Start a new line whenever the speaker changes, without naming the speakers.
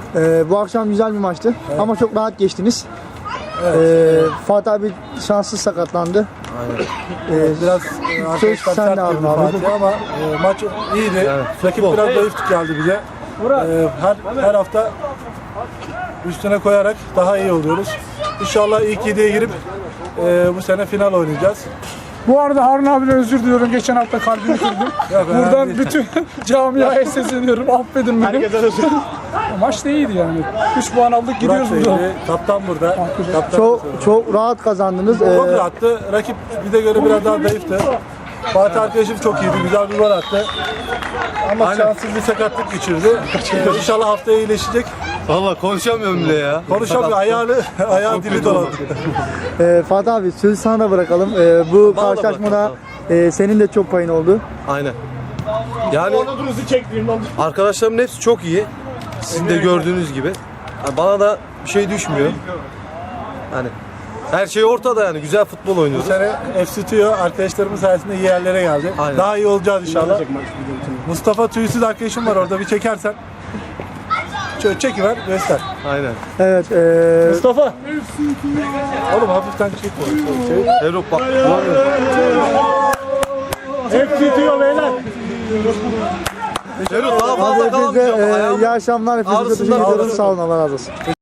Bu akşam güzel bir maçtı ama çok rahat geçtiniz. Fatih abi şanssız sakatlandı.
Aynen. Biraz
söz sen de aldın abi.
Fatih ama maç iyiydi.
Evet,
Rakip
futbol.
biraz zayıf geldi bize. Her hafta üstüne koyarak daha iyi oluyoruz. İnşallah ilk 7'ye girip bu sene final oynayacağız.
Bu arada Harun abine özür diliyorum. Geçen hafta kalbini kırdım. Buradan bütün camiaya sesleniyorum. Affedin beni.
Herkese özür.
Maç da iyiydi yani. 3 puan aldık gidiyoruz
Burak
buradan.
Bey'di, kaptan burada. Kaptan
Çok rahat kazandınız.
çok rahattı. Rakip bize göre biraz daha zayıftı. Fatih arkadaşım çok iyiydi. Güzel bir gol attı. Ama şanssız bir sakatlık geçirdi. İnşallah haftaya iyileşecek.
Valla konuşamıyorum bile ya.
Konuşamıyor. Ayağı dili dolandı.
Fatih abi sözü sana da bırakalım. Bu karşılaşmada senin de çok payın oldu.
Aynen. Yani arkadaşlarımın hepsi çok iyi. Sizin de gördüğünüz gibi. Yani bana da bir şey düşmüyor. Hani her şey ortada yani. Güzel futbol
Bu
oynuyoruz.
sene FC Tüyo arkadaşlarımız sayesinde iyi yerlere geldi.
Aynen.
Daha iyi olacağız inşallah. Mustafa Tüysüz arkadaşım var orada. Bir çekersen. Şöyle çekiver, göster.
Aynen.
Evet.
Mustafa. Oğlum hafiften çek.
Avrupa.
FC Tüyo beyler.
Daha fazla
Hepinize
kalamayacağım.
iyi akşamlar. Hepinize
ağrısından
teşekkür ediyorum.
ağrısın.
Sağ olun. Allah razı olsun.